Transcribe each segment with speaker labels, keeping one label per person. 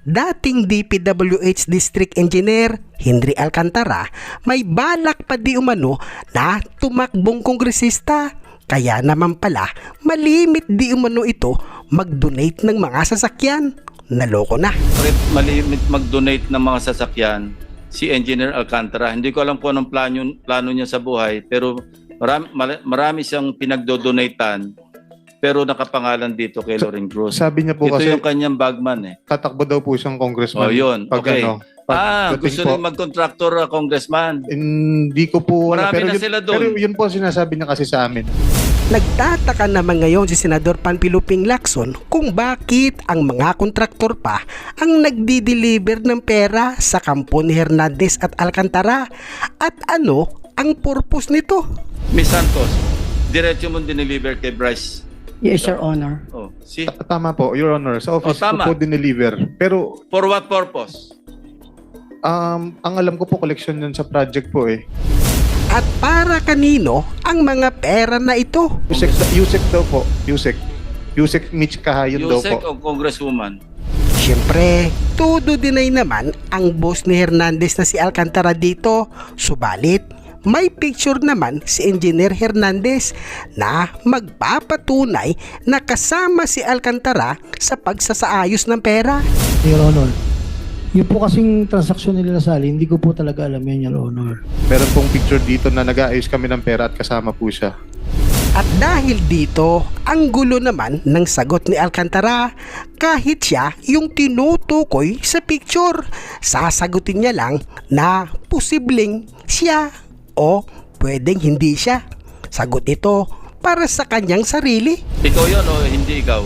Speaker 1: dating DPWH District Engineer Henry Alcantara may balak pa di umano na tumakbong kongresista. Kaya naman pala malimit di umano ito mag-donate ng mga sasakyan. Naloko na.
Speaker 2: Malimit mag-donate ng mga sasakyan si Engineer Alcantara. Hindi ko alam kung anong plano niya sa buhay, pero marami siyang pinagdo-donatean, pero nakapangalan dito kay Loren Cruz.
Speaker 3: Sabi niya po
Speaker 2: ito
Speaker 3: kasi
Speaker 2: yung kanyang bagman eh.
Speaker 3: tatakbo daw po siyang congressman.
Speaker 2: Oh, yun.
Speaker 3: Pag
Speaker 2: Okay.
Speaker 3: pagdating
Speaker 2: Gusto
Speaker 3: po.
Speaker 2: rin mag-contractor congressman.
Speaker 3: Hindi ko po
Speaker 2: Marami
Speaker 3: pero
Speaker 2: na
Speaker 3: yun,
Speaker 2: sila doon.
Speaker 3: Pero yun po ang sinasabi niya kasi sa amin.
Speaker 1: Nagtataka naman ngayon si Senador Panpiluping Lacson kung bakit ang mga kontraktor pa ang nagdi-deliver ng pera sa kampo ni Hernandez at Alcantara. At ano ang purpose nito?
Speaker 2: Miss Santos, diretso mo dineliver kay Bryce.
Speaker 4: Yes, Your Honor.
Speaker 2: Oh, see?
Speaker 3: Tama po, Your Honor. Sa office ko
Speaker 2: tama.
Speaker 3: po dineliver. Pero
Speaker 2: For what purpose?
Speaker 3: ang alam ko po collection yun sa project po eh.
Speaker 1: At para kanino ang mga pera na ito?
Speaker 3: Yusek daw po. Yusek Mitch Kahayon daw
Speaker 2: Yusek
Speaker 3: po.
Speaker 2: o Congresswoman?
Speaker 1: Siyempre, todo deny naman ang boss ni Hernandez na si Alcantara dito. Subalit, may picture naman si Engineer Hernandez na magpapatunay na kasama si Alcantara sa pagsasaayos ng pera.
Speaker 5: Your Honor, yung po kasing transaksyon nila Sally, hindi ko po talaga alam yan, Your Honor.
Speaker 3: Meron pong picture dito na nag-aayos kami ng pera at kasama po siya.
Speaker 1: At dahil dito, ang gulo naman ng sagot ni Alcantara, kahit siya yung tinutukoy sa picture, sasagutin niya lang na posibleng siya o pwedeng hindi siya. Sagot ito para sa kanyang sarili.
Speaker 2: Ikaw yun o hindi ikaw?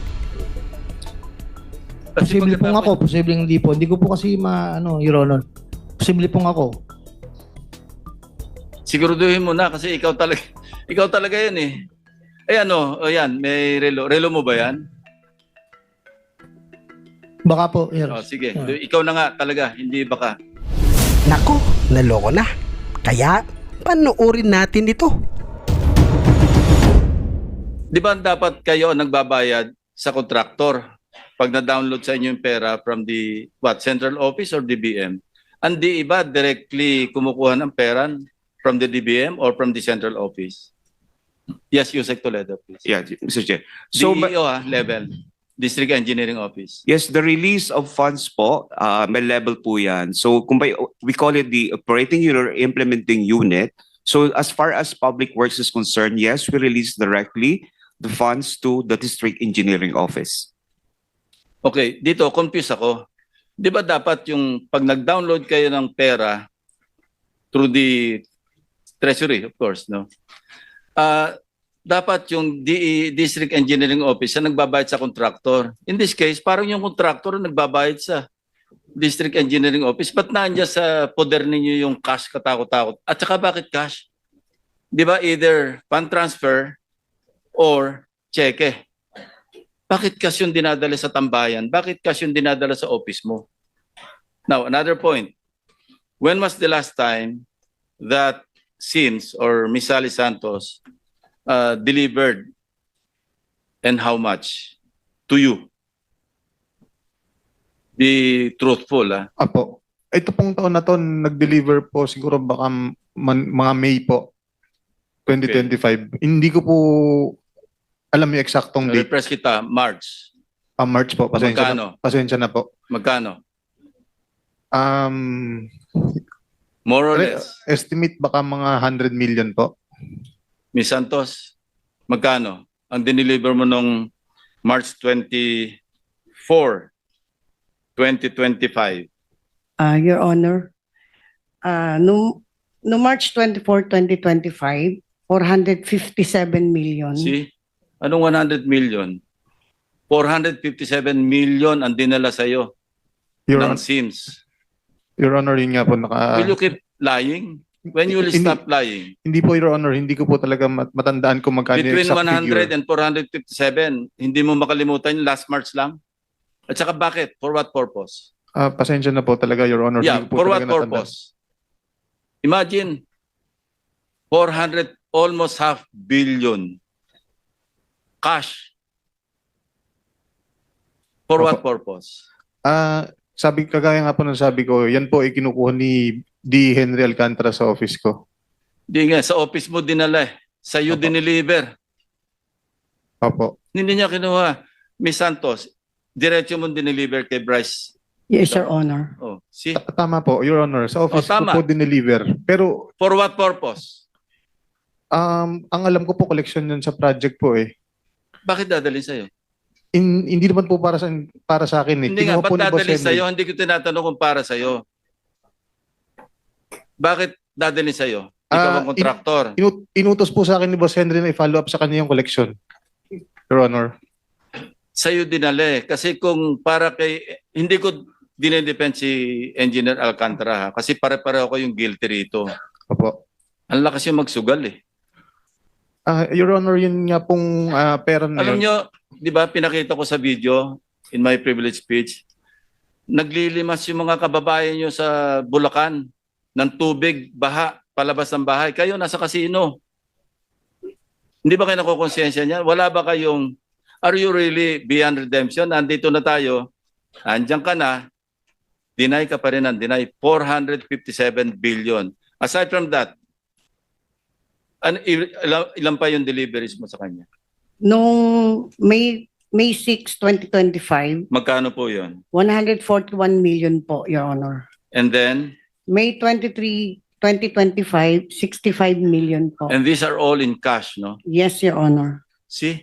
Speaker 2: Kasi
Speaker 5: Posible pong ako, posible hindi po. Hindi ko po kasi Your Honor. Posible pong ako.
Speaker 2: Siguraduhin mo na kasi ikaw talaga yan eh. Ay ayan, may relo. Relo mo ba yan?
Speaker 5: Baka po, Your
Speaker 2: Oh, sige, ikaw na nga talaga, hindi baka.
Speaker 1: Nako, naloko na. Kaya, panoorin natin ito.
Speaker 2: Di ba dapat kayo ang nagbabayad sa kontraktor pag na-download sa inyo yung pera from the central office or DBM? Hindi iba directly kumukuha ng pera from the DBM or from the central office? Yes, Yusek Toledo, please.
Speaker 6: Yeah, Mr. Chair. So,
Speaker 2: DEO level, District Engineering Office.
Speaker 6: yes, the release of funds po, may level po yan. So, we call it the operating unit or implementing unit. So, as far as public works is concerned, yes, we release directly the funds to the District Engineering Office.
Speaker 2: Okay, dito, confused ako. Di ba dapat yung pag nag-download kayo ng pera through the Treasury, of course, no? Dapat yung District Engineering Office na nagbabayad sa contractor. In this case, parang yung contractor nagbabayad sa District Engineering Office. Ba't nandiyan sa poder ninyo yung cash katakot-takot? At saka bakit cash? Di ba either fund transfer or cheque? Bakit cash yung dinadala sa tambayan? Bakit cash yung dinadala sa office mo? Now, another point. When was the last time that Sims or Miss Sally Santos delivered and how much to you? Be truthful, ah.
Speaker 3: Apo. Ito pong taon na to, nag-deliver po siguro baka mga May po. 2025. Hindi ko po alam yung eksaktong date.
Speaker 2: Repress kita, March.
Speaker 3: March po.
Speaker 2: Magkano?
Speaker 3: Pasensya na po.
Speaker 2: Magkano? More or less.
Speaker 3: Estimate baka mga 100 million po.
Speaker 2: Miss Santos, magkano ang dineliver mo nung March 24, 2025?
Speaker 4: Your Honor, no March 24, 2025, 457 million.
Speaker 2: See? Anong 100 million? 457 million ang dinala sa'yo ng Sims.
Speaker 3: Your Honor, yun nga po
Speaker 2: Will you keep lying? When you will stop lying?
Speaker 3: Hindi po, Your Honor. Hindi ko po talaga matandaan kung magkano yung
Speaker 2: Between
Speaker 3: exact
Speaker 2: 100
Speaker 3: figure.
Speaker 2: and 457, hindi mo makalimutan yung last March lang? At saka bakit? For what purpose?
Speaker 3: Pasensya na po talaga, Your Honor.
Speaker 2: Yeah,
Speaker 3: Hindi ko po
Speaker 2: for what
Speaker 3: talaga natandaan.
Speaker 2: purpose? Imagine, 400, almost half billion cash. For what purpose?
Speaker 3: Kagaya nga po ng sabi ko, yan po ay kinukuha ni D. Henry Alcantara sa office ko.
Speaker 2: Di nga, sa office mo dinala eh. Sa'yo
Speaker 3: Opo.
Speaker 2: dineliver.
Speaker 3: Opo.
Speaker 2: Hindi niya kinuha. Miss Santos, diretso mo dineliver kay Bryce.
Speaker 4: Yes, Your Honor.
Speaker 2: Oh, see?
Speaker 3: Tama po, Your Honor. Sa office
Speaker 2: tama.
Speaker 3: ko po dineliver. Pero
Speaker 2: For what purpose?
Speaker 3: ang alam ko po, collection yun sa project po eh.
Speaker 2: Bakit dadalhin sa'yo?
Speaker 3: Hindi naman po para sa akin eh.
Speaker 2: Hindi nga,
Speaker 3: Kinuha po
Speaker 2: ba't
Speaker 3: ni Boss
Speaker 2: dadalhin
Speaker 3: Henry.
Speaker 2: sa'yo? Hindi ko tinatanong kung para sa'yo. Bakit dadalhin sa'yo? Ikaw ang kontraktor.
Speaker 3: Inutos po sa akin ni Boss Henry na i-follow up sa kanya yung collection. Your Honor.
Speaker 2: Sa'yo dinali. Kasi kung para kay... Hindi ko dinedepend si Engineer Alcantara ha? Kasi pare-pareho ko yung guilty rito.
Speaker 3: Opo.
Speaker 2: Ang lakas yung magsugal eh.
Speaker 3: Your Honor, yun nga pong pera na
Speaker 2: Alam
Speaker 3: yun.
Speaker 2: nyo, di ba pinakita ko sa video in my privilege speech, naglilimas yung mga kababayan nyo sa Bulacan ng tubig, baha, palabas ng bahay. Kayo nasa kasino. Hindi ba kayo nakukonsensya niyan? Wala ba kayong, are you really beyond redemption? Nandito na tayo, andyan ka na, deny ka pa rin ng deny, 457 billion. Aside from that, ilan pa yung deliveries mo sa kanya?
Speaker 4: Noong May 6, 2025,
Speaker 2: Magkano po yun?
Speaker 4: 141 million po, Your Honor.
Speaker 2: And then,
Speaker 4: May 23, 2025, 65 million po.
Speaker 2: and these are all in cash, no?
Speaker 4: Yes, Your Honor.
Speaker 2: See?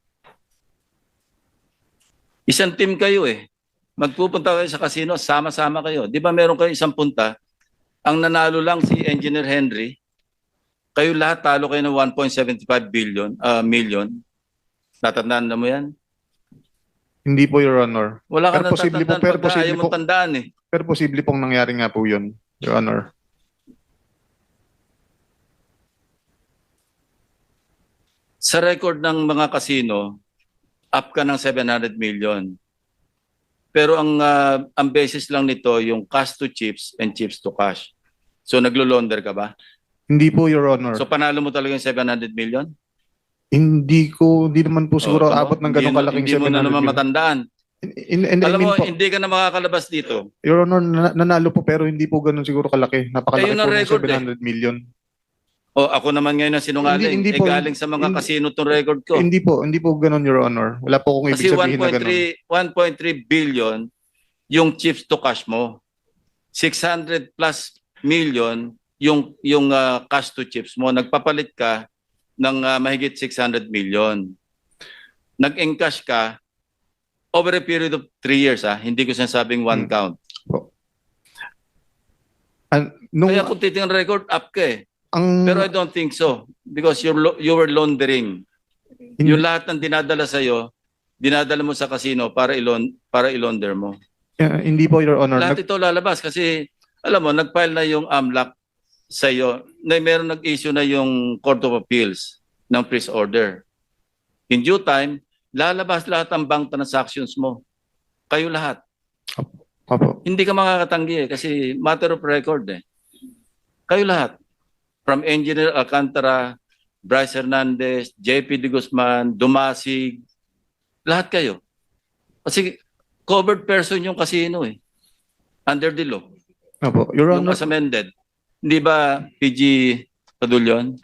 Speaker 2: Isang team kayo eh. Magpupunta kayo sa casino, sama-sama kayo. Di ba meron kayo isang punta, ang nanalo lang si Engineer Henry, kayo lahat talo kayo ng 1.75 million. Tatandaan na mo yan?
Speaker 3: Hindi po, Your Honor.
Speaker 2: Wala ka
Speaker 3: Pero
Speaker 2: na
Speaker 3: posible po,
Speaker 2: tatandaan
Speaker 3: pero
Speaker 2: pagka
Speaker 3: posible
Speaker 2: ayaw mong
Speaker 3: po.
Speaker 2: tandaan eh.
Speaker 3: Pero posible pong nangyari nga po yun, Your Honor.
Speaker 2: Sa record ng mga casino, up ka ng 700 million. Pero ang basis lang nito yung cash to chips and chips to cash. So naglo-launder ka ba?
Speaker 3: Hindi po, Your Honor.
Speaker 2: So panalo mo talaga yung 700 million?
Speaker 3: Hindi naman po siguro
Speaker 2: tama.
Speaker 3: abot ng ganong kalaking
Speaker 2: Hindi mo na
Speaker 3: 700
Speaker 2: naman
Speaker 3: million.
Speaker 2: matandaan. Alam mo, hindi ka na makakalabas dito.
Speaker 3: Your Honor, nanalo po pero hindi po ganun siguro kalaki. Napakalaki
Speaker 2: Ayun ang
Speaker 3: po ng
Speaker 2: record
Speaker 3: 700 million.
Speaker 2: O ako naman ngayon ang sinungaling.
Speaker 3: Hindi po.
Speaker 2: Galing sa mga
Speaker 3: Hindi-
Speaker 2: casino tong record ko.
Speaker 3: Hindi po ganun, Your Honor. Wala po akong
Speaker 2: Kasi
Speaker 3: ibig sabihin na ganun.
Speaker 2: 1.3 billion yung chips to cash mo. 600 plus million yung cash to chips mo. Nagpapalit ka ng mahigit 600 million. Nag-encash ka over a period of 3 years. Hindi ko sinasabing one count.
Speaker 3: Nung,
Speaker 2: Kaya kung titingnan record, up ka eh.
Speaker 3: ang,
Speaker 2: Pero I don't think so. Because you were laundering. Yung lahat ng dinadala sa'yo, dinadala mo sa casino para ilaunder mo.
Speaker 3: hindi po, Your Honor.
Speaker 2: Lahat ito lalabas kasi, alam mo, nag-file na yung AMLAC sa'yo. Meron nag-issue na yung Court of Appeals ng freeze order. In due time, lalabas lahat ang bank transactions mo. Kayo lahat.
Speaker 3: Opo.
Speaker 2: Hindi ka makakatanggi kasi matter of record eh. Kayo lahat. From Engineer Alcantara, Bryce Hernandez, JP De Guzman, Dumasig, lahat kayo. Kasi covered person yung casino eh. Under the law.
Speaker 3: Opo. Your
Speaker 2: Yung
Speaker 3: Honor,
Speaker 2: as amended. Hindi ba PG Padulyon?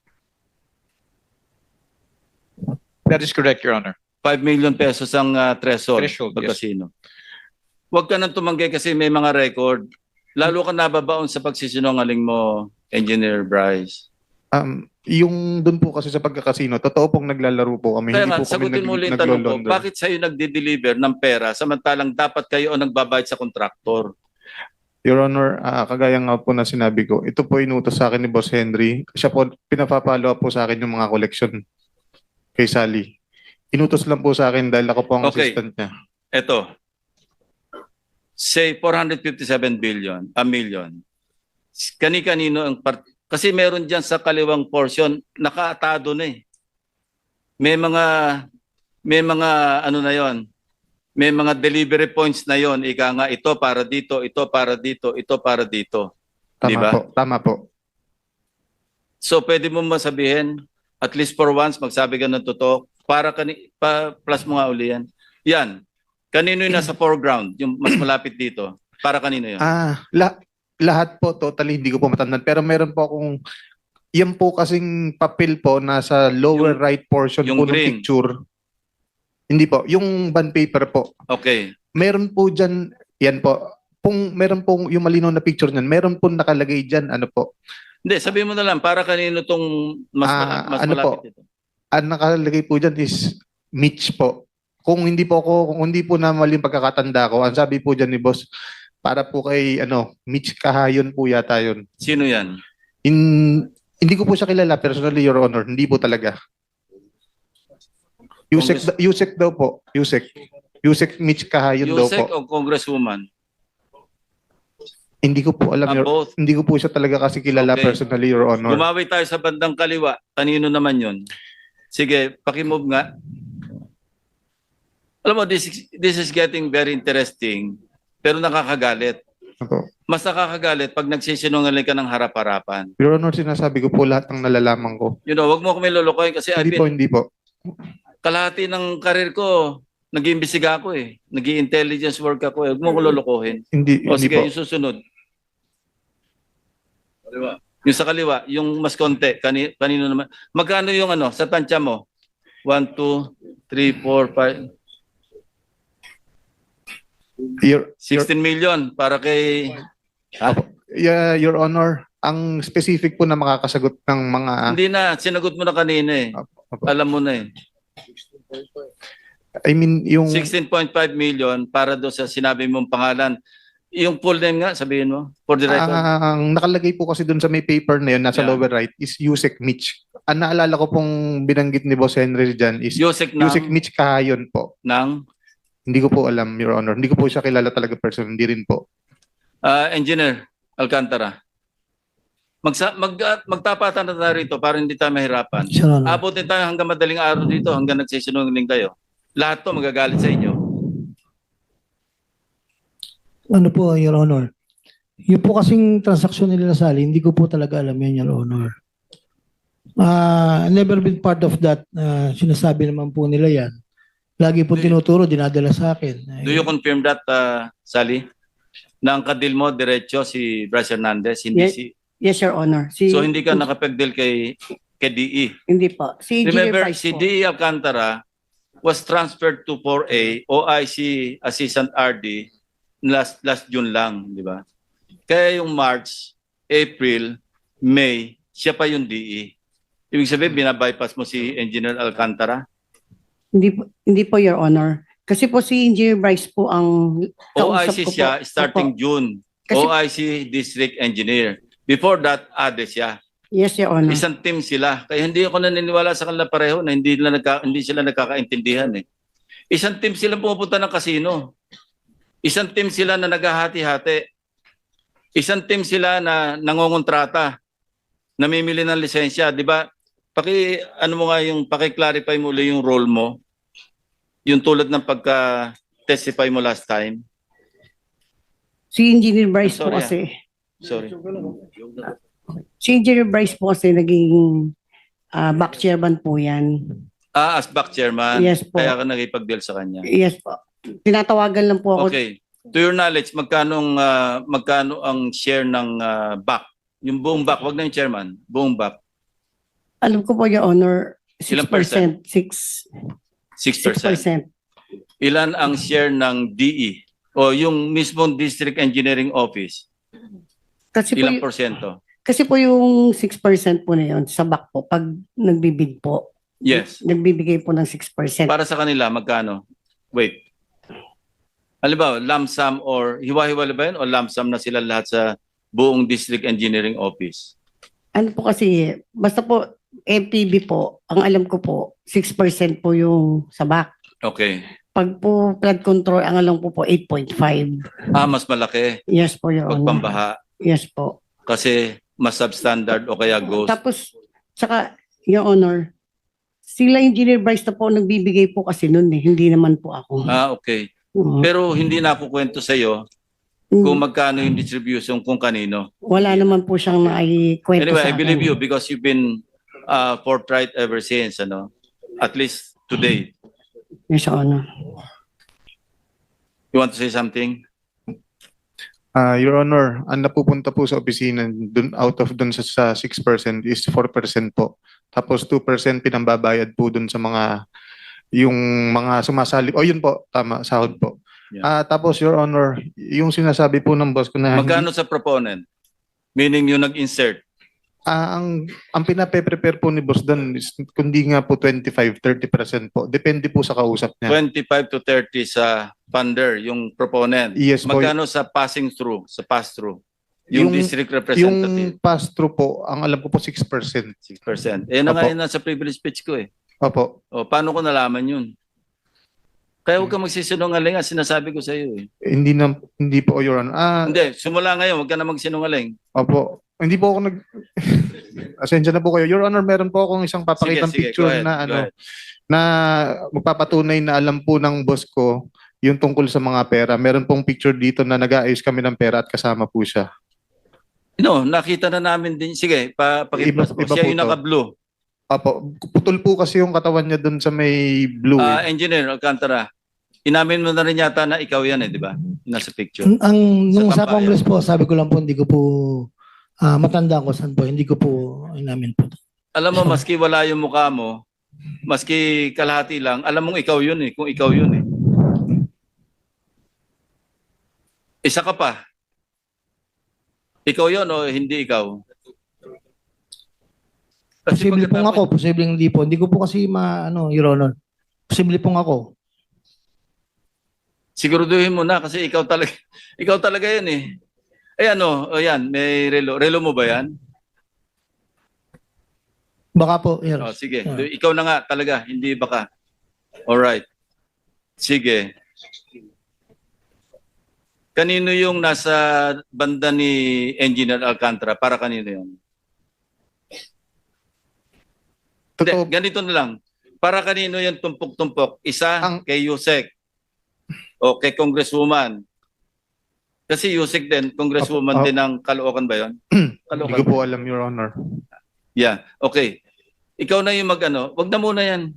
Speaker 7: That is correct, Your Honor.
Speaker 2: 5 million pesos ang threshold
Speaker 7: Threshold,
Speaker 2: pag
Speaker 7: yes.
Speaker 2: casino. Huwag ka nang tumanggi kasi may mga record. Lalo ka nababaon sa pagsisinungaling mo, Engineer Bryce.
Speaker 3: yung dun po kasi sa pagkakasino, totoo pong naglalaro po kami.
Speaker 2: Kaya
Speaker 3: Hindi
Speaker 2: nga,
Speaker 3: po kami
Speaker 2: sagutin mo ulit yung tanong ko,
Speaker 3: naglo-launder.
Speaker 2: bakit sa'yo nagde-deliver ng pera samantalang dapat kayo ang nagbabayad sa kontraktor?
Speaker 3: Your Honor, kagaya nga po na sinabi ko, ito po inutos sa akin ni Boss Henry. Siya po, pinapapalo up po sa akin yung mga collection kay Sally. Inutos lang po sa akin dahil ako po ang
Speaker 2: Okay.
Speaker 3: assistant niya.
Speaker 2: Ito, say 457 million. Kani-kanino ang kasi meron diyan sa kaliwang portion nakaatado na eh. May mga ano na 'yon. May mga delivery points na 'yon. Ika nga ito para dito, ito para dito, ito para dito.
Speaker 3: Tama
Speaker 2: Di ba?
Speaker 3: po, tama po.
Speaker 2: So pwede mo masabihin at least for once magsabi ka ng totoo para plus mo nga uli yan. Yan. Kanino yung nasa foreground? Yung mas malapit dito? Para kanino yun?
Speaker 3: Lahat po, totally, hindi ko po matandaan. Pero meron po akong, yan po kasing papel po nasa lower
Speaker 2: Yung-
Speaker 3: right portion
Speaker 2: yung
Speaker 3: po ng
Speaker 2: green.
Speaker 3: picture. Hindi po, yung bond paper po.
Speaker 2: Okay.
Speaker 3: Meron po dyan, yan po, meron pong yung malinaw na picture niyan, meron po nakalagay dyan, ano po,
Speaker 2: Hindi, sabihin mo na lang, para kanino tong mas, mas
Speaker 3: ano
Speaker 2: malapit
Speaker 3: po?
Speaker 2: dito?
Speaker 3: ang nakalagay po dyan is Mitch po. Kung hindi po na maling pagkakatanda ko, ang sabi po dyan ni boss, para po kay Mitch Kahayon po yata yun.
Speaker 2: Sino yan?
Speaker 3: Hindi ko po siya kilala personally, Your Honor. Hindi po talaga. Yusek daw po. Yusek Mitch Kahayon daw
Speaker 2: Yusek
Speaker 3: po.
Speaker 2: o Congresswoman?
Speaker 3: Hindi ko po alam,
Speaker 2: Both.
Speaker 3: hindi ko po siya talaga kasi kilala
Speaker 2: Okay.
Speaker 3: personally, Your Honor.
Speaker 2: Gumawi tayo sa bandang kaliwa. Kanino naman yun? Sige, pakimove nga. Alam mo, this is getting very interesting, pero nakakagalit.
Speaker 3: Opo.
Speaker 2: Mas nakakagalit pag nagsisinungaling ka ng harap-harapan.
Speaker 3: Your Honor, sinasabi ko po lahat ng nalalaman ko.
Speaker 2: You know, wag mo kami lulukoy kasi
Speaker 3: Hindi po.
Speaker 2: kalahati ng karir ko, nag-iimbestiga ako eh. Nag-i-intelligence work ako eh. Huwag mo ko lulukohin.
Speaker 3: Hindi
Speaker 2: O
Speaker 3: po.
Speaker 2: sige, yung susunod. Yung sa kaliwa, yung mas konti, kanino naman. Magkano yung sa tansya mo? 1, 2, 3, 4, 5,
Speaker 3: Your,
Speaker 2: 16 million para kay...
Speaker 3: Your Honor, ang specific po na makakasagot ng mga...
Speaker 2: Hindi na, sinagot mo na kanina eh.
Speaker 3: Opo.
Speaker 2: Alam mo na eh.
Speaker 3: I mean, yung...
Speaker 2: 16.5 million para doon sa sinabi mong pangalan. Yung full name nga, sabihin mo, for the record.
Speaker 3: Ang nakalagay po kasi dun sa may paper na yun, nasa
Speaker 2: Yeah.
Speaker 3: lower right, is Yusek Mitch. Ang naalala ko pong binanggit ni Boss Henry dyan is
Speaker 2: Yusek
Speaker 3: Yusek Mitch Kahayon po.
Speaker 2: ng
Speaker 3: Hindi ko po alam, Your Honor. Hindi ko po siya kilala talaga person. Hindi rin po.
Speaker 2: Engineer Alcantara. Magtapatan na tayo rito para hindi tayo mahirapan.
Speaker 5: Your Honor.
Speaker 2: Abutin tayo hanggang madaling araw dito, hanggang nagsisinungaling kayo. Lahat to magagalit sa inyo.
Speaker 5: Ano po, Your Honor? Yung po kasing transaksyon nila Sally, hindi ko po talaga alam yan, Your Honor. Never been part of that. Sinasabi naman po nila yan. Lagi po tinuturo, dinadala sa akin.
Speaker 2: Do you confirm that, Sally? Na ang kadil mo, diretso si Bryce Hernandez, hindi
Speaker 4: Yes.
Speaker 2: si...
Speaker 4: Yes, Your Honor.
Speaker 2: So hindi ka nakapagdeal kay DE.
Speaker 4: Hindi po. Si Engineer
Speaker 2: Remember,
Speaker 4: Bryce
Speaker 2: si
Speaker 4: po.
Speaker 2: DE Alcantara was transferred to 4A, OIC Assistant RD, last June lang, di ba? Kaya yung March, April, May, siya pa yung DE. Ibig sabihin, binabypass mo si Engineer Alcantara?
Speaker 4: Hindi po, Your Honor. Kasi po si Engineer Bryce po ang kausap
Speaker 2: OIC
Speaker 4: ko
Speaker 2: siya
Speaker 4: po.
Speaker 2: starting
Speaker 4: Opo.
Speaker 2: June.
Speaker 4: Kasi-
Speaker 2: OIC District Engineer. Before that, ADE siya.
Speaker 4: Yes, Your Honor.
Speaker 2: Isang team sila. Kaya hindi ako naniniwala sa kanila pareho na hindi sila nagkakaintindihan eh. Isang team sila pumupunta ng kasino. Isang team sila na naghahati-hati. Isang team sila na nangongontrata. Namimili ng lisensya, 'di ba? Ano mo nga yung paki-clarify mo ulit yung role mo. Yung tulad ng pagka-testify mo last time.
Speaker 4: Si Engineer Bryce po
Speaker 2: Sorry,
Speaker 4: kasi.
Speaker 2: Sorry.
Speaker 4: Si Engineer Bryce po kasi naging back chairman po yan.
Speaker 2: As back chairman.
Speaker 4: Yes po.
Speaker 2: Kaya ka nakipag-deal sa kanya.
Speaker 4: Yes po. Tinatawagan lang po ako.
Speaker 2: Okay. To your knowledge, magkano ang share ng BAC? Yung buong BAC, wag na yung chairman, buong BAC.
Speaker 4: Alam ko po, Your Honor,
Speaker 2: Ilang
Speaker 4: 6%.
Speaker 2: 6%.
Speaker 4: 6%.
Speaker 2: Ilan ang share ng DE o yung mismong District Engineering Office?
Speaker 4: Kasi po,
Speaker 2: Ilang porsyento?
Speaker 4: kasi po yung 6% po na yun sa back po, pag nagbibid po,
Speaker 2: Yes.
Speaker 4: nagbibigay po ng 6%.
Speaker 2: Para sa kanila, magkano? Wait. Halimbawa, lump sum or hiwa-hiwala ba yun o lump sum na sila lahat sa buong District Engineering Office?
Speaker 4: Ano po kasi, basta po, MPB po, ang alam ko po, 6% po yung sa back.
Speaker 2: Okay.
Speaker 4: Pag po flood control, ang alam ko po, 8.5.
Speaker 2: Mas malaki
Speaker 4: Yes po, Your
Speaker 2: pag
Speaker 4: Honor.
Speaker 2: pambaha
Speaker 4: Yes po.
Speaker 2: kasi mas substandard o kaya ghost.
Speaker 4: Tapos, saka, Your Honor, sila Engineer Bryce na po nagbibigay po kasi nun eh, hindi naman po ako.
Speaker 2: Okay.
Speaker 4: Oo.
Speaker 2: Pero hindi na ako kwento sa iyo kung magkano yung distribution kung kanino.
Speaker 4: Wala naman po siyang naikwento
Speaker 2: Anyway,
Speaker 4: sa
Speaker 2: I believe
Speaker 4: akin.
Speaker 2: you because you've been forthright ever since, at least today.
Speaker 4: Yes, Your Honor.
Speaker 2: You want to say something?
Speaker 3: Your Honor, ang napupunta po sa opisina dun, out of dun sa 6% is 4% po. Tapos 2% pinambabayad po dun sa yung mga sumasali. O yun po, tama, sahod po.
Speaker 2: Yeah.
Speaker 3: Tapos Your Honor, yung sinasabi po ng boss ko na
Speaker 2: Magkano sa proponent? Meaning yung nag-insert.
Speaker 3: ang pinape-prepare po ni boss doon is kundi nga po 25-30% po. Depende po sa kausap niya.
Speaker 2: 25 to 30 sa funder, yung proponent.
Speaker 3: Yes po.
Speaker 2: Magkano sa passing through, sa pass-through? Yung district
Speaker 3: Yung
Speaker 2: representative,
Speaker 3: pass-through po, ang alam ko po 6%.
Speaker 2: 6%. Eh, na nga
Speaker 3: Opo.
Speaker 2: yun nasa privilege speech ko eh.
Speaker 3: Opo.
Speaker 2: O, paano ko nalaman yun? Kaya huwag ka magsisinungaling, sinasabi ko sa iyo eh.
Speaker 3: Hindi po, Your Honor.
Speaker 2: Hindi, simula ngayon, huwag ka na magsinungaling.
Speaker 3: Opo. Hindi po ako Asensya na po kayo. Your Honor, meron po akong isang papakitang
Speaker 2: Sige,
Speaker 3: picture
Speaker 2: go ahead,
Speaker 3: na
Speaker 2: go ahead.
Speaker 3: na magpapatunay na alam po ng boss ko yung tungkol sa mga pera. Meron pong picture dito na nag-aayos kami ng pera at kasama po siya.
Speaker 2: No, nakita na namin din. Sige, pakita mo.
Speaker 3: Iba
Speaker 2: Siya
Speaker 3: po
Speaker 2: yung
Speaker 3: to.
Speaker 2: naka-blue.
Speaker 3: Opo. Putol po kasi yung katawan niya doon sa may blue.
Speaker 2: Engineer Alcantara, inamin mo na rin yata na ikaw yan eh, di ba? Nasa picture.
Speaker 5: Nung
Speaker 2: Sa
Speaker 5: sa
Speaker 2: tambayan.
Speaker 5: Congress po, sabi ko lang po, hindi ko po matanda ko saan po, hindi ko po inamin po.
Speaker 2: Alam mo, maski wala yung mukha mo, maski kalahati lang, alam mong ikaw yun eh, kung ikaw yun eh. Isa ka pa. Ikaw yun o hindi ikaw? Kasi
Speaker 5: Posible pong
Speaker 2: pagkatapos-
Speaker 5: ako, posible hindi po. Hindi ko po kasi Your Honor. Posible pong ako.
Speaker 2: Siguraduhin mo na kasi ikaw talaga yan eh. Eh ano, o yan, may relo. Relo mo ba yan?
Speaker 5: Baka po, Your
Speaker 2: O, sige,
Speaker 5: Ah.
Speaker 2: ikaw na nga talaga, hindi baka. Alright. Sige. Kanino yung nasa banda ni Engineer Alcantara? Para kanino yun? Hindi,
Speaker 3: Totoo.
Speaker 2: ganito na lang. Para kanino yung tumpok-tumpok? Isa kay Yusek o kay Congresswoman. Kasi Yusek din, Congresswoman din ng Caloocan ba yun?
Speaker 3: Hindi ko po alam, Your Honor.
Speaker 2: Yeah, okay. Ikaw na yung wag na muna yan.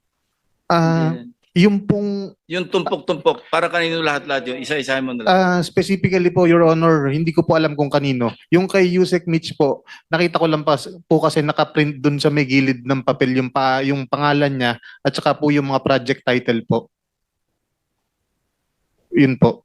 Speaker 3: Yung pong
Speaker 2: Yung tumpok-tumpok, para kanino lahat-lahat yun? Isa-isahin mo na lang.
Speaker 3: specifically po, Your Honor, hindi ko po alam kung kanino. Yung kay Yusek Mitch po, nakita ko lang po kasi nakaprint dun sa may gilid ng papel yung pangalan niya at saka po yung mga project title po. Yun po.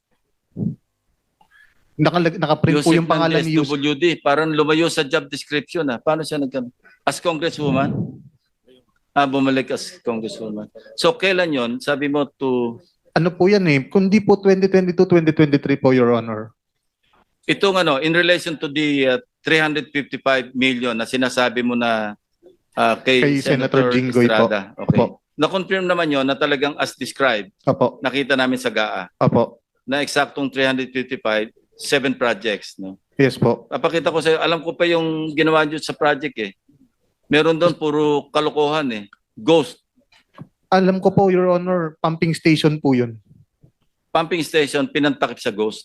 Speaker 3: Nakaprint po
Speaker 2: Yusek
Speaker 3: yung pangalan ni Yusek.
Speaker 2: SWD, parang lumayo sa job description. Paano siya as Congresswoman? Bumalik as Congresswoman. So, kailan yon? Sabi mo to...
Speaker 3: Ano po yan eh? Kundi po 2022-2023 po, Your Honor.
Speaker 2: Itong in relation to the 355 million na sinasabi mo na kay
Speaker 3: Senator Jinggoy po.
Speaker 2: Estrada. Okay.
Speaker 3: Opo.
Speaker 2: Na-confirm naman yon na talagang as described,
Speaker 3: Opo.
Speaker 2: nakita namin sa GAA,
Speaker 3: Opo.
Speaker 2: na eksaktong 355, 7 projects. No?
Speaker 3: Yes po.
Speaker 2: Papakita ko sa'yo, alam ko pa yung ginawa nyo sa project eh. Meron doon puro kalokohan eh. Ghost.
Speaker 3: Alam ko po, Your Honor, pumping station po yun.
Speaker 2: Pumping station, pinantakip sa ghost.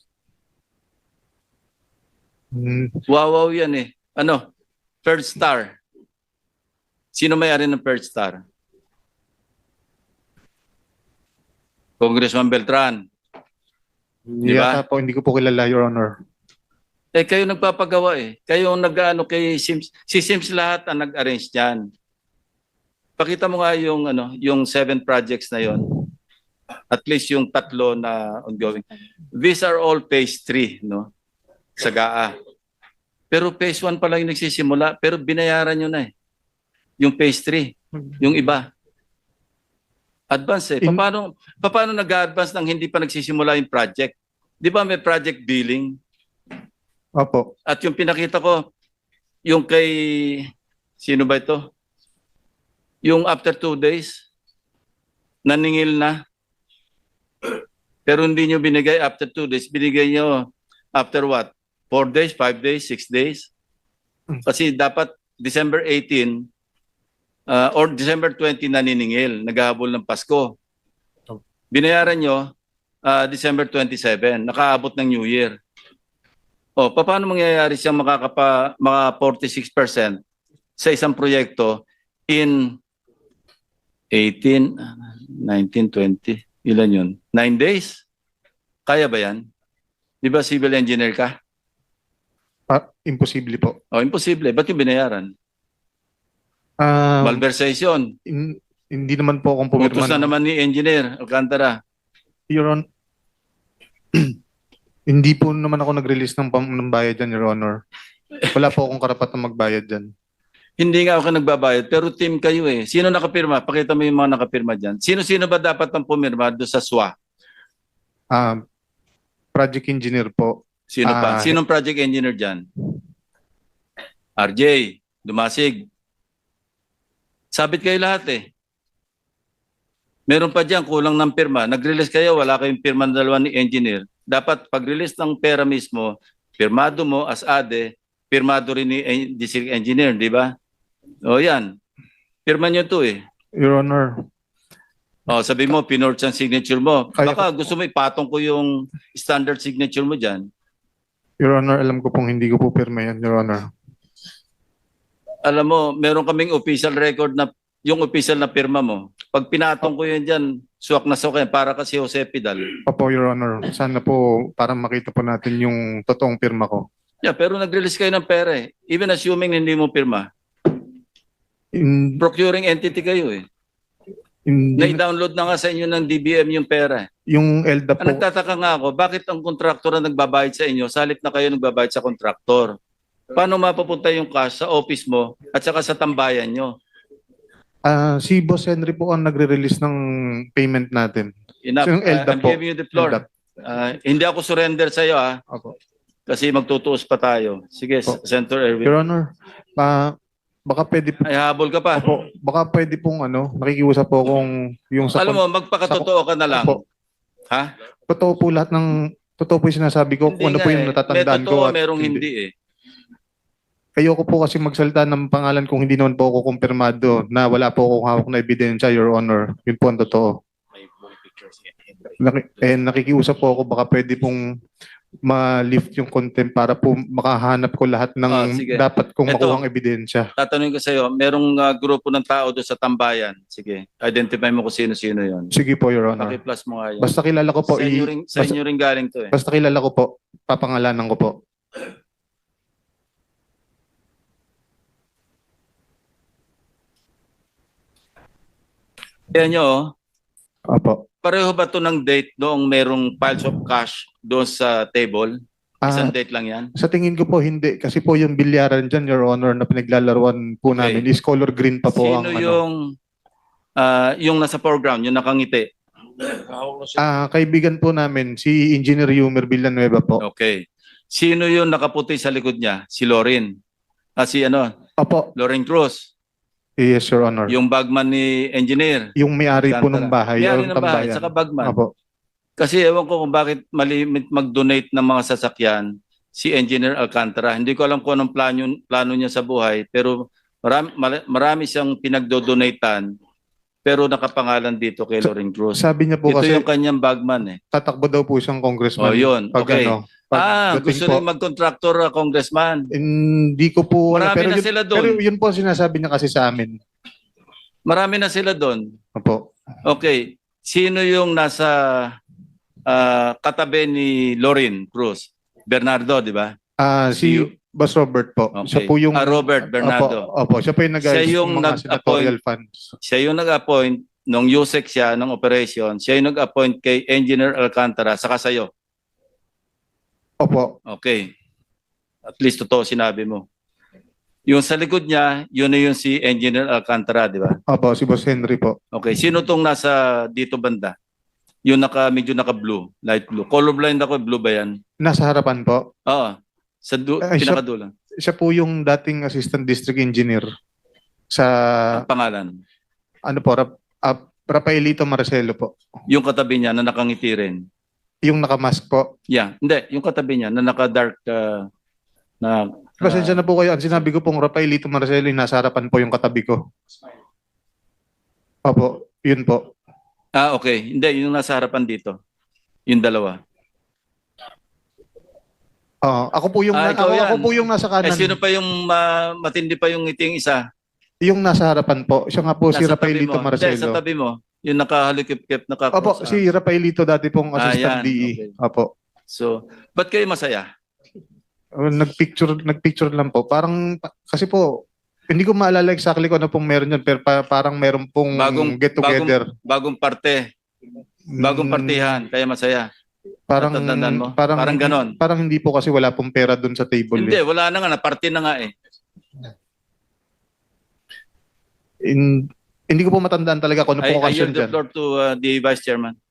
Speaker 3: Hmm.
Speaker 2: Wow yan eh. Third Star. Sino may-ari ng Third Star? Congressman Beltran. Di ba?
Speaker 3: Yata po, hindi ko po kilala, Your Honor.
Speaker 2: Eh kayo nagpapagawa eh. Kayo ang kay Sims. Si Sims lahat ang nag-arrange diyan. Pakita mo nga yung 7 projects na yon. At least yung 3 na ongoing. These are all phase 3, no? Sa GAA. Pero phase 1 pa lang yung nagsisimula, pero binayaran nyo na eh. Yung phase 3, yung iba. Advance eh. Paano nag-advance nang hindi pa nagsisimula yung project? Di ba may project billing?
Speaker 3: Opo.
Speaker 2: At yung pinakita ko, yung kay, sino ba ito? Yung after 2 days, naningil na. Pero hindi nyo binigay after 2 days. Binigay nyo after what? 4 days, 5 days, 6 days? Kasi dapat December 18 or December 20 naniningil, naghahabol ng Pasko. Binayaran nyo December 27, nakaabot ng New Year. O, paano mangyayari siyang maka 46% sa isang proyekto in 18, 19, 20, ilan yun? 9 days? Kaya ba yan? Di ba civil engineer ka?
Speaker 3: Imposible po.
Speaker 2: O, imposible. Ba't yung binayaran? Malversation.
Speaker 3: Hindi naman po akong pumirma.
Speaker 2: Utos na naman ni engineer Alcantara.
Speaker 3: Your Honor, hindi po naman ako nag-release ng bayad dyan, Your Honor. Wala po akong karapatang magbayad dyan.
Speaker 2: Hindi nga ako nagbabayad, pero team kayo eh. Sino nakapirma? Pakita mo yung mga nakapirma dyan. Sino-sino ba dapat ang pumirma doon sa SWA?
Speaker 3: Project engineer po.
Speaker 2: Sino pa? Sinong project engineer dyan? RJ, Dumasig. Sabit kayo lahat eh. Meron pa dyan, kulang ng pirma. Nag-release kayo, wala kayong pirma ng dalawa ni engineer. Dapat pag-release ng pera mismo, pirmado mo as ADE, pirmado rin ni district engineer, di ba? O yan. Pirma nyo to eh.
Speaker 3: Your Honor,
Speaker 2: O sabi mo, pinorge ang signature mo.
Speaker 3: Kaya
Speaker 2: Baka gusto mo ipatong ko yung standard signature mo dyan.
Speaker 3: Your Honor, alam ko pong hindi ko po pirma yan, Your Honor.
Speaker 2: Alam mo, meron kaming official record na yung official na pirma mo. Pag pinatong ko yun dyan, suwak na suwak yan, para kasi Jose Pidal.
Speaker 3: Opo, Your Honor. Sana po para makita po natin yung totoong pirma ko.
Speaker 2: Yeah, pero nag-release kayo ng pera eh. Even assuming hindi mo pirma. Procuring entity kayo eh. Na-download na nga sa inyo ng DBM yung pera eh.
Speaker 3: Yung ELDA po,
Speaker 2: Ang nagtataka nga ako, bakit ang kontraktor na nagbabayad sa inyo, sa halip na kayo nagbabayad sa kontraktor? Paano mapapunta yung cash sa office mo at saka sa tambayan nyo?
Speaker 3: si Boss Henry po ang nagre-release ng payment natin.
Speaker 2: Enough.
Speaker 3: So yung ELDA
Speaker 2: I'm
Speaker 3: po.
Speaker 2: giving you the floor.
Speaker 3: ELDA.
Speaker 2: Hindi ako surrender sa iyo
Speaker 3: Opo.
Speaker 2: kasi magtutuos pa tayo. Sige,
Speaker 3: Opo.
Speaker 2: Senator Erwin.
Speaker 3: Your Honor, baka pwede po,
Speaker 2: Ay, habol ka pa.
Speaker 3: opo, baka pwede pong nakikiusap po kung yung sa
Speaker 2: Alam mo, magpakatotoo ka na lang.
Speaker 3: Opo.
Speaker 2: Ha?
Speaker 3: Totoo po lahat ng totoo po yung sinasabi ko kung ano po yung natatandaan
Speaker 2: May
Speaker 3: ko.
Speaker 2: totoo,
Speaker 3: at
Speaker 2: merong hindi eh.
Speaker 3: Ayoko po kasi magsalita ng pangalan kung hindi naman po ako kumpirmado na wala po akong hawak na ebidensya, Your Honor. Yun po ang totoo. Nakikiusap po ako baka pwede pong ma-lift yung contempt para po makahanap ko lahat ng
Speaker 2: Sige.
Speaker 3: dapat kong
Speaker 2: Ito.
Speaker 3: makuhang ebidensya.
Speaker 2: Tatanungin ko sa iyo, merong grupo ng tao doon sa tambayan. Sige, identify mo kung sino-sino yon.
Speaker 3: Sige po, Your Honor.
Speaker 2: Paki-plus mo nga yan.
Speaker 3: Basta kilala ko po.
Speaker 2: Sa inyo rin galing to eh.
Speaker 3: Basta kilala ko po. Papangalanan ko po.
Speaker 2: Kaya nyo,
Speaker 3: Opo.
Speaker 2: pareho ba to ng date noong merong piles of cash doon sa table? Isang date lang yan?
Speaker 3: Sa tingin ko po hindi. Kasi po yung bilyaran dyan, Your Honor, na pinaglalaruan po
Speaker 2: Okay.
Speaker 3: namin is color green pa po.
Speaker 2: Sino yung nasa foreground, yung nakangiti?
Speaker 3: Kaibigan po namin, si Engineer Yumer Villanueva po.
Speaker 2: Okay. Sino yung nakaputi sa likod niya? Si Lorin.
Speaker 3: Opo.
Speaker 2: Lorin Cruz.
Speaker 3: Yes, Your Honor.
Speaker 2: Yung bagman ni engineer.
Speaker 3: Yung may-ari po ng bahay.
Speaker 2: May-ari
Speaker 3: yung
Speaker 2: ng bahay,
Speaker 3: tambayan.
Speaker 2: saka bagman.
Speaker 3: Opo.
Speaker 2: Kasi ewan ko kung bakit malimit mag-donate ng mga sasakyan si Engineer Alcantara. Hindi ko alam kung anong plano niya sa buhay, pero marami siyang pinagdo-donatean, pero nakapangalan dito kay Lorin Cruz.
Speaker 3: Sabi niya po
Speaker 2: Ito
Speaker 3: kasi
Speaker 2: yung kanyang bagman eh.
Speaker 3: tatakbo daw po siyang congressman.
Speaker 2: Oh, yun.
Speaker 3: Pag
Speaker 2: Okay.
Speaker 3: pagdating
Speaker 2: Gusto
Speaker 3: po.
Speaker 2: rin mag-contractor congressman.
Speaker 3: Hindi ko po.
Speaker 2: Marami na
Speaker 3: pero
Speaker 2: sila doon.
Speaker 3: Pero yun po ang sinasabi niya kasi sa amin.
Speaker 2: Marami na sila doon.
Speaker 3: Opo.
Speaker 2: Okay. Sino yung nasa katabi ni Lorin Cruz? Bernardo, di ba?
Speaker 3: Si Boss Robert po.
Speaker 2: Okay.
Speaker 3: Siya po yung
Speaker 2: Robert Bernardo.
Speaker 3: Opo, siya po yung
Speaker 2: Siya yung
Speaker 3: mga senatorial funds.
Speaker 2: Siya yung nag-appoint nung USEC siya ng operation. Siya yung nag-appoint kay Engineer Alcantara saka sa'yo.
Speaker 3: Opo.
Speaker 2: Okay. At least totoo sinabi mo. Yung sa likod niya, yun na yung si Engineer Alcantara, di ba?
Speaker 3: Opo, si Boss Henry po.
Speaker 2: Okay. Sino tong nasa dito banda? Yung medyo naka-blue, light blue. Colorblind ako, blue ba yan?
Speaker 3: Nasa harapan po.
Speaker 2: Oo. Sa
Speaker 3: Ay,
Speaker 2: pinakadulo.
Speaker 3: Siya po yung dating assistant district engineer sa
Speaker 2: Ang pangalan.
Speaker 3: Rafaelito Marcelo po.
Speaker 2: Yung katabi niya na nakangiti rin.
Speaker 3: Yung nakamask po.
Speaker 2: Yeah. Hindi. Yung katabi niya na naka-dark na...
Speaker 3: Pasensya na po kayo. Ang sinabi ko pong Rafaelito Marcelo, yung nasa harapan po yung katabi ko. Opo, yun po.
Speaker 2: Okay. Hindi. Yung nasa harapan dito. Yung dalawa.
Speaker 3: Ako po yung
Speaker 2: ikaw yan.
Speaker 3: ako po yung nasa kanan.
Speaker 2: Sino pa yung matindi pa yung ngiting isa?
Speaker 3: Yung nasa harapan po. Siya nga po si
Speaker 2: Nasa tabi
Speaker 3: Rafaelito
Speaker 2: mo.
Speaker 3: Marcelo.
Speaker 2: Hindi, sa tabi mo. Yung nakahalikip-kip,
Speaker 3: Opo,
Speaker 2: nakakross.
Speaker 3: si Rafaelito dati pong assistant
Speaker 2: yan,
Speaker 3: DE.
Speaker 2: okay.
Speaker 3: Opo.
Speaker 2: So, ba't kayo masaya?
Speaker 3: Nagpicture lang po. Parang, kasi po, hindi ko maalala exactly kung ano pong meron yan, pero parang meron pong get together.
Speaker 2: Bagong parte, bagong partihan, kaya masaya.
Speaker 3: Parang,
Speaker 2: Natatandaan mo? Parang ganon.
Speaker 3: Parang hindi po kasi wala pong pera dun sa table.
Speaker 2: Hindi, wala na nga, naparte na nga eh.
Speaker 3: Hindi ko po matandaan talaga kung ano
Speaker 2: I
Speaker 3: pong
Speaker 2: yield
Speaker 3: occasion
Speaker 2: the
Speaker 3: dyan.
Speaker 2: floor to the Vice Chairman.